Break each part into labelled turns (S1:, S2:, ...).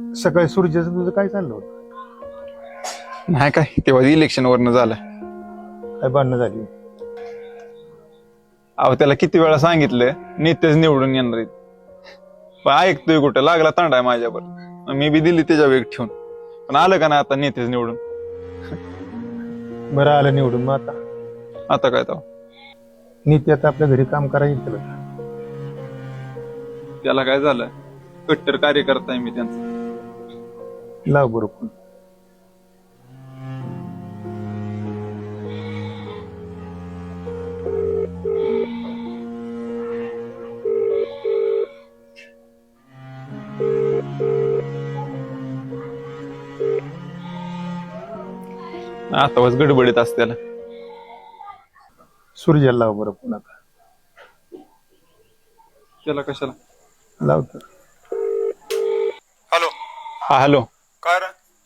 S1: सकाळी सूर्याचं तुझं काय चाललं होतं?
S2: नाही काय तेव्हा इलेक्शन वरनं झालं.
S1: काय भांडणं झाली?
S2: अहो त्याला किती वेळा सांगितलं नेतेच निवडून येणार आहेत, पण ऐकतोय कुठं, लागला तांडा माझ्यावर. मी बी दिली त्याच्या वेग ठेवून, पण आलं का नाही आता नेतेच निवडून.
S1: बरं आलं निवडून, मग
S2: आता काय तो
S1: नीती आता आपल्या घरी काम करायचं तुला का?
S2: त्याला काय झालं, कट्टर कार्यकर्ता आहे मी त्यांचा.
S1: लाव बरोबर.
S2: आता बस गडबडीत असते त्याला.
S1: सूर्याला लाव बरं पुन्हा.
S2: त्याला कशाला
S1: लाव तर.
S2: हॅलो. हा हॅलो.
S3: काय रे?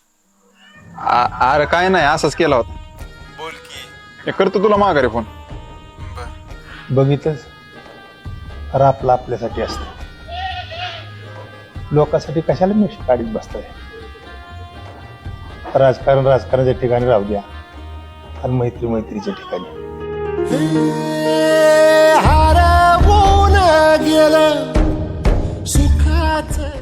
S2: अरे काय नाही, असाच केला होता.
S3: बोल की.
S2: हे करतो तुला माघारी फोन.
S1: बघितलंच, आपलं आपल्यासाठी असतं, लोकांसाठी कशाला मिक्स काढीत बसताय? राजकारणाच्या ठिकाणी राहू द्या आणि मैत्रीच्या ठिकाणी.
S4: हरवून गेलं सुखाचं